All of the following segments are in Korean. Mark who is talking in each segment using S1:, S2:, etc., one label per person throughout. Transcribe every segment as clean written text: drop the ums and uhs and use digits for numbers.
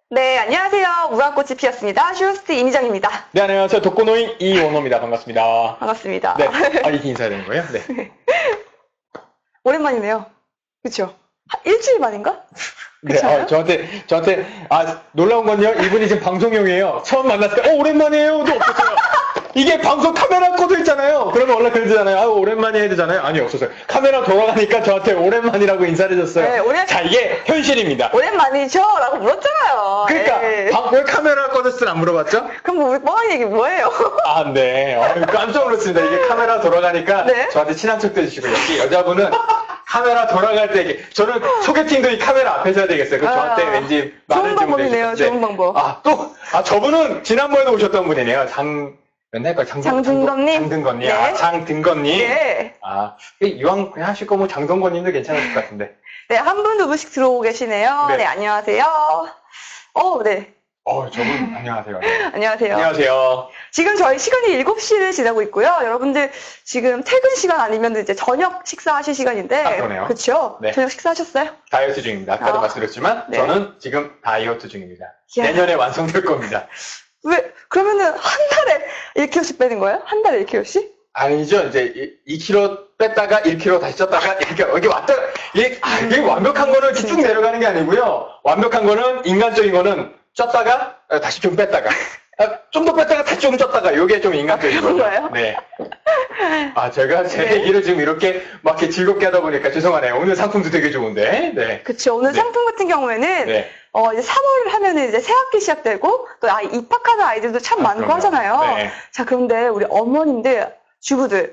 S1: 네, 안녕하세요. 무궁꽃이 피었습니다. 슈호스트 이미정입니다.
S2: 네, 안녕하세요. 독거노인 이원호입니다. 반갑습니다.
S1: 반갑습니다.
S2: 네. 이렇게 인사해야 되는 거예요? 네.
S1: 오랜만이네요. 그쵸? 일주일 만인가?
S2: 네, 저한테, 놀라운 건요, 이분이 지금 방송용이에요. 처음 만났을 때, 오랜만이에요도 없었어요. 이게 방송 카메라 꺼져 있잖아요. 그러면 원래 그러잖아요. 오랜만에 해야 되잖아요. 아니, 없었어요. 카메라 돌아가니까 저한테 오랜만이라고 인사를 해줬어요.
S1: 네,
S2: 자, 이게 현실입니다.
S1: 오랜만이죠? 라고 물었잖아요.
S2: 그러니까,
S1: 네.
S2: 왜 카메라 꺼졌을 안 물어봤죠?
S1: 그럼 뭐, 우리 뻔한 얘기 뭐예요?
S2: 아, 네. 깜짝 놀랐습니다. 이게 카메라 돌아가니까
S1: 네?
S2: 저한테 친한 척도 해주시고, 역시 여자분은 카메라 돌아갈 때, 저는 소개팅도 이 카메라 앞에서 해야 되겠어요. 저한테 왠지
S1: 좋은 방법이네요. 좋은 방법.
S2: 저분은 지난번에도 오셨던 분이네요. 맨날
S1: 장등건님?
S2: 장등건님.
S1: 네.
S2: 장등건님.
S1: 네.
S2: 이왕 그냥 하실 거면 장등건님도 괜찮을 것 같은데.
S1: 네, 한 분, 두 분씩 들어오고 계시네요.
S2: 네.
S1: 네, 안녕하세요. 네.
S2: 저분, 안녕하세요. 네.
S1: 안녕하세요.
S2: 안녕하세요.
S1: 지금 저희 시간이 7시를 지나고 있고요. 여러분들 지금 퇴근 시간 아니면 이제 저녁 식사하실 시간인데.
S2: 그러네요.
S1: 그렇죠?
S2: 네.
S1: 저녁 식사하셨어요?
S2: 다이어트 중입니다. 아까도 말씀드렸지만,
S1: 네.
S2: 저는 지금 다이어트 중입니다.
S1: 이야.
S2: 내년에 완성될 겁니다.
S1: 그러면은 한 달에 1kg씩 빼는 거예요? 한 달에 1kg씩?
S2: 아니죠. 이제 2kg 뺐다가 1kg 다시 쪘다가 이렇게 여기 왔다. 이게 완벽한 거는 쭉 내려가는 게 아니고요. 완벽한 거는 인간적인 거는 쪘다가 다시 좀 뺐다가 좀 더 뺐다가 다시 좀 쪘다가 이게 좀 인간적인
S1: 그런
S2: 거죠.
S1: 거예요?
S2: 네. 제가 제 얘기를 지금 이렇게 막 이렇게 즐겁게 하다 보니까 죄송하네요. 오늘 상품도 되게 좋은데. 네.
S1: 그쵸. 오늘
S2: 네.
S1: 상품 같은 경우에는
S2: 네.
S1: 이제 3월 하면은 이제 새학기 시작되고 또 입학하는 아이들도 참 많고
S2: 그럼요.
S1: 하잖아요.
S2: 네.
S1: 자, 그런데 우리 어머님들, 주부들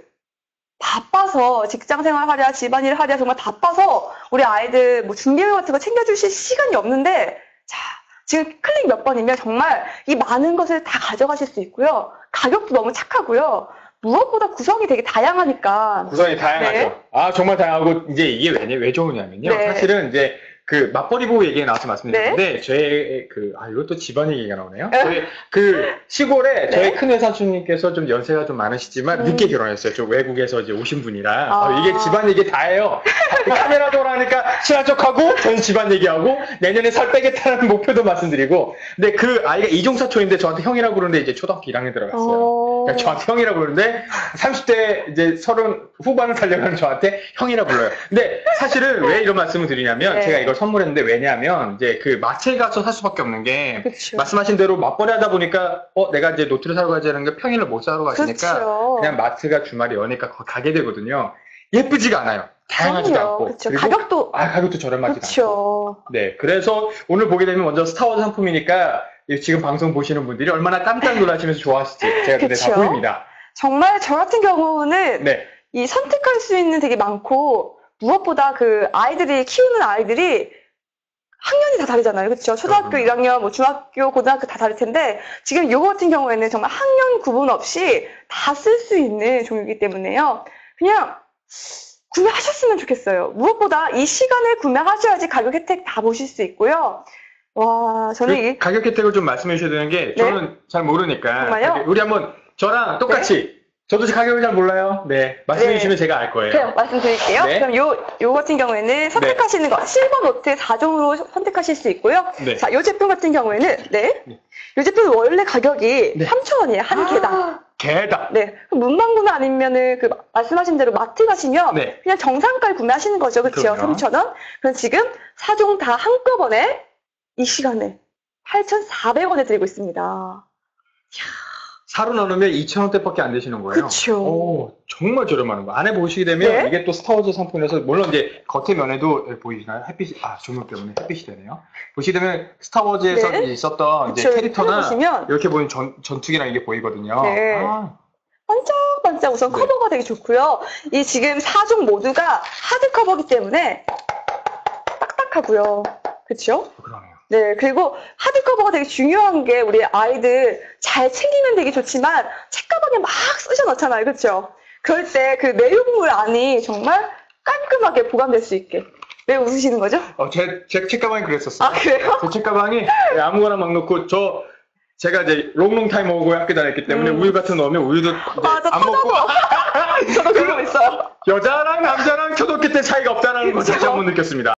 S1: 바빠서 직장 생활 하랴, 집안일 하랴 정말 바빠서 우리 아이들 뭐 준비물 같은 거 챙겨주실 시간이 없는데 자, 지금 클릭 몇 번이면 정말 이 많은 것을 다 가져가실 수 있고요. 가격도 너무 착하고요. 무엇보다 구성이 되게 다양하니까.
S2: 구성이 다양하죠.
S1: 네.
S2: 정말 다양하고, 이제 이게 왜 좋으냐면요.
S1: 네.
S2: 사실은 이제, 맞벌이 부부 얘기가 나와서 말씀드렸는데, 저의 이것도 집안 얘기가 나오네요. 저희 시골에 저희 큰 외사촌님께서 좀 연세가 좀 많으시지만, 늦게 결혼했어요. 저 외국에서 이제 오신 분이라. 이게 집안 얘기 다 해요. 카메라 돌아가니까 친한 척하고, 저는 집안 얘기하고, 내년에 살 빼겠다는 목표도 말씀드리고, 근데 그 아이가 이종사촌인데 저한테 형이라고 그러는데 이제 초등학교 1학년 들어갔어요. 그러니까 저한테 형이라고 그러는데, 30대 이제 30 후반을 살려가는 저한테 형이라 불러요. 근데 사실은 왜 이런 말씀을 드리냐면, 제가 이걸 선물했는데 왜냐하면 이제 마트에 가서 살 수밖에 없는 게
S1: 그쵸.
S2: 말씀하신 대로 맞벌이 하다 보니까 내가 이제 노트를 사러 가야 되는 게 평일을 못 사러 가시니까
S1: 그쵸.
S2: 그냥 마트가 주말에 여니까 가게 되거든요. 예쁘지가 않아요. 다양하지도 않고.
S1: 그쵸.
S2: 그리고 가격도 저렴하지도 않고. 네, 그래서 오늘 보게 되면 먼저 스타워즈 상품이니까 지금 방송 보시는 분들이 얼마나 깜짝 놀라시면서 좋아하실지 제가 근데 다 보입니다.
S1: 정말 저 같은 경우는 이 선택할 수 있는 되게 많고 무엇보다 아이들이 키우는 아이들이 학년이 다 다르잖아요. 그렇죠? 초등학교 1학년, 뭐 중학교, 고등학교 다 다를 텐데 지금 요거 같은 경우에는 정말 학년 구분 없이 다 쓸 수 있는 종류이기 때문에요. 그냥 구매하셨으면 좋겠어요. 무엇보다 이 시간에 구매하셔야지 가격 혜택 다 보실 수 있고요. 와, 저는
S2: 가격 혜택을 좀 말씀해 주셔야 되는 게 저는 잘 모르니까
S1: 정말요?
S2: 우리 한번 저랑 똑같이 저도 가격을 잘 몰라요. 네. 말씀해 주시면 제가 알 거예요.
S1: 그럼 말씀드릴게요. 그럼 요 같은 경우에는 선택하시는 거, 실버 노트 4종으로 선택하실 수 있고요. 자, 요 제품 같은 경우에는, 요 제품 원래 가격이 3,000원이에요. 한 개당.
S2: 개당.
S1: 네. 문방구나 아니면은 말씀하신 대로 마트 가시면 그냥 정상가를 구매하시는 거죠. 그렇죠? 3,000원. 그럼 지금 4종 다 한꺼번에 이 시간에 8,400원에 드리고 있습니다.
S2: 사로 나누면 2,000원대밖에 안 되시는 거예요.
S1: 그렇죠.
S2: 정말 저렴한 거. 안에 보시게 되면 이게 또 스타워즈 상품이라서 물론 이제 겉에 면에도 보이시나요? 햇빛이 조명 때문에 햇빛이 되네요. 보시게 되면 스타워즈에서 있었던 이제 캐릭터나 이렇게 보이는 전투기랑 이게 보이거든요.
S1: 반짝반짝 우선 커버가 되게 좋고요. 이 지금 4종 모두가 하드 커버이기 때문에 딱딱하고요. 그렇죠?
S2: 그러네요.
S1: 네, 그리고 하드커버가 되게 중요한 게 우리 아이들 잘 챙기면 되게 좋지만 책가방에 막 쑤셔 넣잖아요. 그렇죠? 그럴 때 그 내용물 안이 정말 깔끔하게 보관될 수 있게. 왜 웃으시는 거죠?
S2: 제 책가방이 그랬었어요.
S1: 그래요?
S2: 제 책가방이 아무거나 막 넣고 제가 이제 롱롱 타임 먹고 학교 다녔기 때문에 우유 같은 거 넣으면 우유도 안 먹고
S1: 저도 그러고 있어요.
S2: 여자랑 남자랑 초등학교 때 차이가 없다는 걸 다시 한번 느꼈습니다.